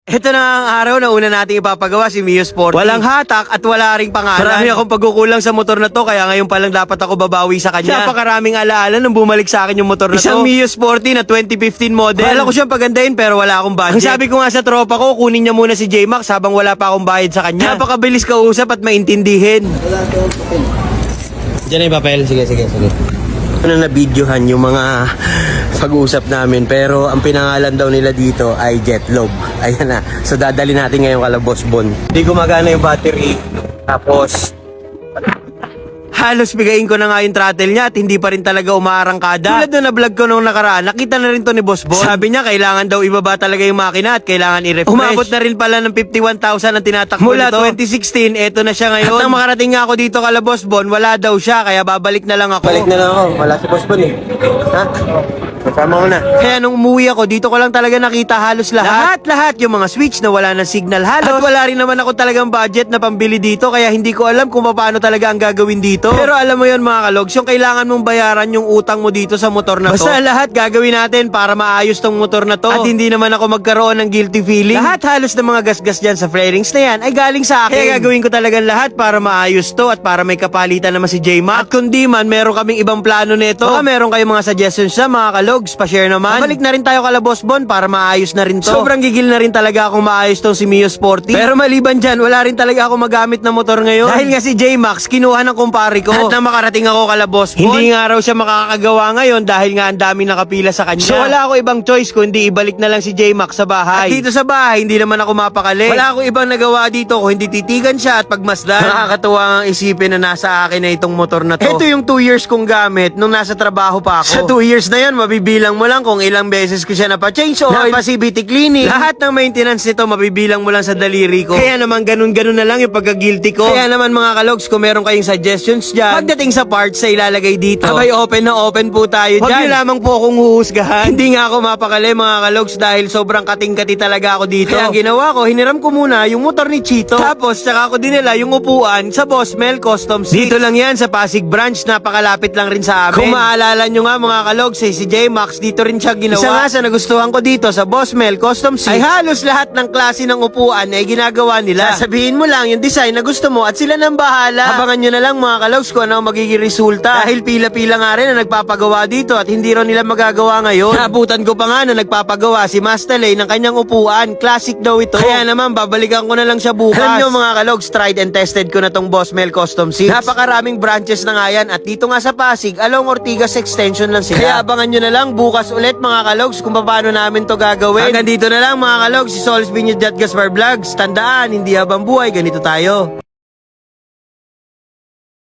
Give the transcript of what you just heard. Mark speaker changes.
Speaker 1: Ito na ang araw na una nating ipapagawa si Mio Sporty. Walang hatak at wala ring pangalan. Marami akong pagkukulang sa motor na to, kaya ngayon pa lang dapat ako babawi sa kanya. Napakaraming alaala nung bumalik sa akin yung motor na to. Isang Mio Sporty na 2015 model. Kala ko siyang pagandahin pero wala akong budget. Ang sabi ko nga sa tropa ko, kunin niya muna si J-Max habang wala pa akong bayad sa kanya. Napakabilis kausap at maintindihin. Diyan na yung papel. Sige. Ano na videohan yung mga pag-uusap namin, pero ang pinangalan daw nila dito ay Jetlog. Ayan na. So dadali natin ngayon kala Boss Bon. Hindi gumagana yung battery. Tapos halos bigayin ko na nga yung throttle niya at hindi pa rin talaga umaarangkada. Tulad na vlog ko nung nakaraan, nakita na rin to ni Boss Bon. Sabi niya kailangan daw ibaba talaga yung makina at kailangan i-refresh. Umabot na rin pala ng 51,000 ang tinatakbo mula nito. 2016, eto na siya ngayon. At nang makarating nga ako dito kala Boss Bon, wala daw siya, kaya babalik na lang ako. Balik na lang ako, wala si Boss Bon eh. Ha? Kasama ko na. Kaya nung umuwi ako, dito ko lang talaga nakita halos lahat. Lahat yung mga switch na wala ng signal halos. At wala rin naman ako talagang budget na pambili dito, kaya hindi ko alam kung paano talaga ang gagawin dito. Pero alam mo yon mga kalogs, yung kailangan mong bayaran yung utang mo dito sa motor na to. Basta lahat gagawin natin para maayos tong motor na to. At hindi naman ako magkaroon ng guilty feeling. Lahat halos ng mga gasgas dyan sa fairings na yan ay galing sa akin. Kaya gagawin ko talagang lahat para maayos to at para may kapalitan naman si J-Max. At kung di man, meron kaming ibang plano nito. Baka meron kayong mga suggestions sa mga kalogs, pa-share naman. Balik na rin tayo kala Boss Bon para maayos na rin to. Sobrang gigil na rin talaga akong maayos tong si Mio Sporty. Pero maliban dyan, wala rin talaga ako magamit na motor ngayon. Dahil nga si J-Max, kinuha ng kumpare ko. At nang makarating ako kala Boss Bon, hindi nga raw siya makakagawa ngayon dahil nga ang dami nakapila sa kanya. So wala ako ibang choice kundi ibalik na lang si J-Max sa bahay. At dito sa bahay, hindi naman ako mapakali. Wala ako ibang nagawa dito kung hindi titigan siya at pagmasdan. Nakakatuwa ang isipin na nasa akin na itong motor na to. Ito yung 2 years kong gamit nung nasa trabaho pa ako. Sa 2 years na yan, mabibilang mo lang kung ilang beses ko siya napa-change oil, napa-CVT cleaning. Lahat ng maintenance nito, mabibilang mo lang sa daliri ko. Kaya naman ganun-ganun na lang yung pagka-guilty ko. Kaya naman mga kalogs, kung meron kayong suggestions dyan, pagdating sa parts na ilalagay dito, abay open na open po tayo dyan. Huwag nyo lamang po akong huhusgahan. Hindi nga ako mapakali mga kalogs dahil sobrang kating-kati talaga ako dito. Kaya ang ginawa ko, hiniram ko muna yung motor ni Chito. Tapos, tsaka ko dinala yung upuan sa Boss Mel Custom Seats. Dito lang yan sa Pasig Branch, napakalapit lang rin sa amin. Kung maalala nyo nga mga kalogs, si J-Max, dito rin siya ginawa. Isa nga sa nagustuhan ko dito sa Boss Mel Custom Seats ay halos lahat ng klase ng upuan ay ginagawa nila. Sasabihin mo lang yung design na gusto mo at sila nang bahala. Abangan nyo na lang mga kalogs kung ano ang magiging resulta. Dahil pila-pila nga rin na nagpapagawa dito at hindi rin nila magagawa ngayon. Naabutan ko pa nga na nagpapagawa si Master Lay ng kanyang upuan. Classic daw ito. Kaya naman babalikan ko na lang siya bukas. Alam nyo mga kalogs, tried and tested ko na tong Boss Mel Custom Seats. Napakaraming branches na nga yan at dito nga sa Pasig, along Ortigas Extension lang sila. Kaya abangan nyo na lang bukas ulit mga kalogs kung paano namin to gagawin. Hanggang dito na lang mga kalogs, si Solis Binyod at Gaspar Vlogs. Tandaan, hindi habang buhay, ganito tayo.